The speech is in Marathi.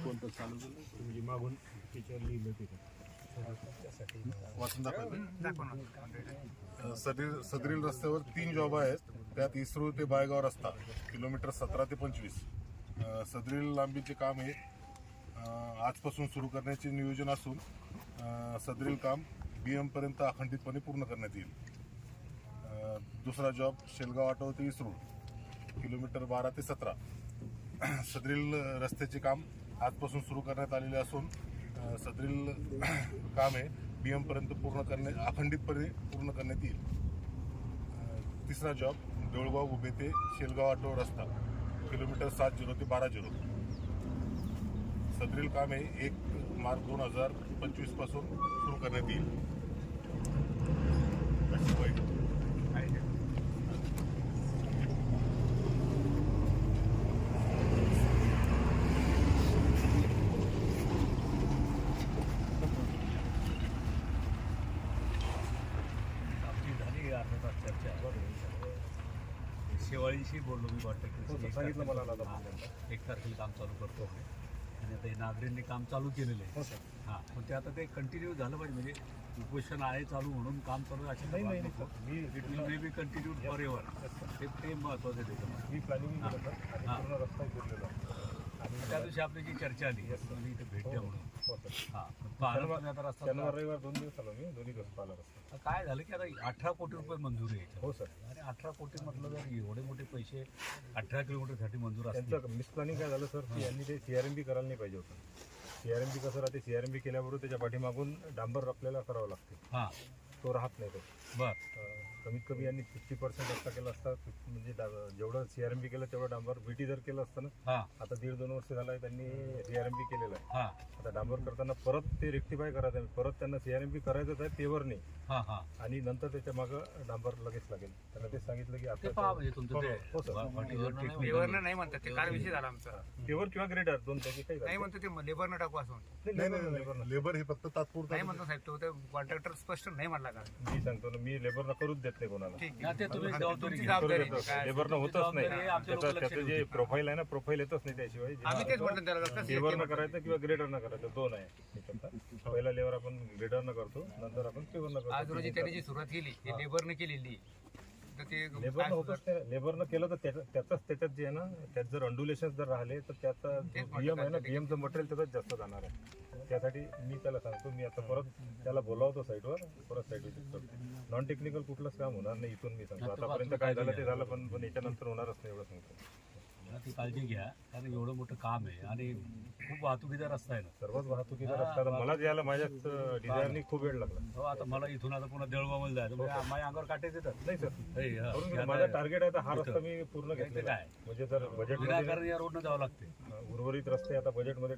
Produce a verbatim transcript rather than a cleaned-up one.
कोणतं चालू केलं म्हणजे मागून त्याच्यावर लिहिलं तिथं वाचून दाखवायचं. सदरील सदरील रस्त्यावर तीन जॉब आहेत. त्यात इस्रो ते बायगाव रस्ता किलोमीटर सतरा ते पंचवीस. सदरील लांबीचे काम हे आजपासून सुरू करण्याचे नियोजन असून सदरील काम बी एम पर्यंत अखंडितपणे पूर्ण करण्यात येईल. दुसरा जॉब शेलगाव आटो ते इस्रो किलोमीटर बारा ते सतरा. सदरील रस्त्याचे काम आजपासून सुरू करण्यात आलेले असून सदरील काम हे बी एम पर्यंत पूर्ण करणे अखंडितपणे पूर्ण करण्यात येईल. तिसरा जॉब देऊळगाव उभे ते शेलगाव आटो रस्ता किलोमीटर सात झिरो ते बारा झिरो. सदरील काम हे एक मार्च दोन हजार पंचवीस पासून सुरू करण्यात येईल. अशी माहिती शेवाळीशी बोललो मी वाटतं सांगितलं मला एक तारखेला काम चालू करतो आणि आता नागरिकांनी काम चालू केलेलं आहे. हां, पण ते आता ते कंटिन्यू झालं पाहिजे. म्हणजे उपोषण आहे चालू म्हणून काम चालू अशी नाही नाही मी it will may be continue forever. ते ते महत्त्वाचं आहे त्याच्यामध्ये. मी प्लॅनिंग केलं सर आणि हां. पूर्ण रस्ता फिरलेला आणि त्या दिवशी आपली जी चर्चा आली आणि इथे भेट द्या म्हणून. हो सर. हां, पाहणं पण आता रस्ता शनिवार रविवार दोन दिवस आलो मी दोन्ही दिवस पाहिला रस्ता. काय झालं की आता अठरा कोटी रुपये मंजूर आहे. हो सर. आणि अठरा कोटी म्हटलं जर एवढे मोठे पैसे अठरा किलोमीटरसाठी मंजूर असतील. त्यांचं मिसप्लॅनिंग काय झालं सर की यांनी ते सीआरएमबी करायला नाही पाहिजे होतं. सीआरएमबी कसं राहते, सीआरएमबी केल्याबरोबर त्याच्या पाठीमागून डांबर आपल्याला करावं लागते. हां, तो राहत नाही तो. बर. कमीत कमी यांनी फिफ्टी पर्सेंट रस्ता केला असता. म्हणजे डा- जेवढं सीआरएमबी केलं तेवढं डांबर बीटी जर केलं असतं ना. हां, आता दीड दोन वर्ष झालं आहे त्यांनी सीआरएमबी केलेलं आहे. हां, आता डांबर करताना परत ते रेक्टिफाय करायचं आहे. परत त्यांना सीआरएमबी करायचंच आहे पेवर नाही. हां, हां. आणि नंतर त्याच्या मागं डांबर लगेच लागेल. त्यांना ते सांगितलं की ते आता पहा म्हणजे तुमचं ते हो सर. वाटीवर लेबरनं नाही म्हणतात ते काल विषय झाला आमचा. पेवर किंवा ग्रेडर दोन पैकी काही नाही म्हणतो ते लेबरनं टाकू असं म्हणतो. नाही, नाही लेबर- नाही लेबर नाही लेबर हे फक्त तात्पुरतं नाही म्हणतो साहेब तो कॉन्ट्रॅक्टर स्पष्ट नाही म्हणला का. मी सांगतो ना, मी लेबरला करूच देत नाही कोणाला. ठीक हा, ते तुम्ही जबाबदारी तुमची घ्या. करू जबाबदारी देतो. काय लेबरनं होतच नाही. जबाबदारी आमच्या त्याचं लोकांना त्याचं लक्षात जे येते. प्रोफाईल आहे ना, प्रोफाईल येतच नाही त्याशिवाय. आम्ही तेच म्हटलं त्याला कसं लेबरनं करायचं किंवा ग्रेडरनं करायचं दोन आहे त्याच्यात. पहिला लेबर आपण ग्रेडरनं करतो, नंतर आपण पेवरनं आज रोजी करतो. त्याने जी सुरुवात केली हे लेबरनं केलेली तर ते लेबरनं काय होतच नाही. लेबरनं केलं तर त्याचं त्याचंच त्याच्यात जे आहे ना, त्यात जर अंडुलेशन जर राहिले तर त्याचा बीएम आहे ना, बीएमचं मटेरियल त्याचाच जास्त जाणार आहे. त्यासाठी मी त्याला सांगतो, मी आता परत त्याला बोलावतो साईटवर, परत साईट विजिट करतो. नॉन टेक्निकल कुठलंच काम होणार नाही इथून मी सांगतो. आतापर्यंत काय झालं ते झालं, पण पण याच्यानंतर होणारच नाही एवढं सांगतो. ती काळजी घ्या कारण एवढं मोठं काम आहे आणि खूप वाहतुकीचा रस्ता आहे ना. सर्वच वाहतुकीचा रस्ता आता मला यायला माझ्याच डिझायरनी खूप वेळ लागला. हो, आता मला इथून आता पुन्हा देऊळगावमध्ये जायचं म्हणजे माझ्या अंगावर काटे देतात. नाही सर, हे, हा, करून हे घेऊ. आता माझा टार्गेट आहे आता हा रस्ता मी पूर्ण ते घेतलेला काय? आहे. म्हणजे जर बजेट विनाकारण या रोडनं जावं लागते. उर्वरित रस्ते आता बजेटमध्ये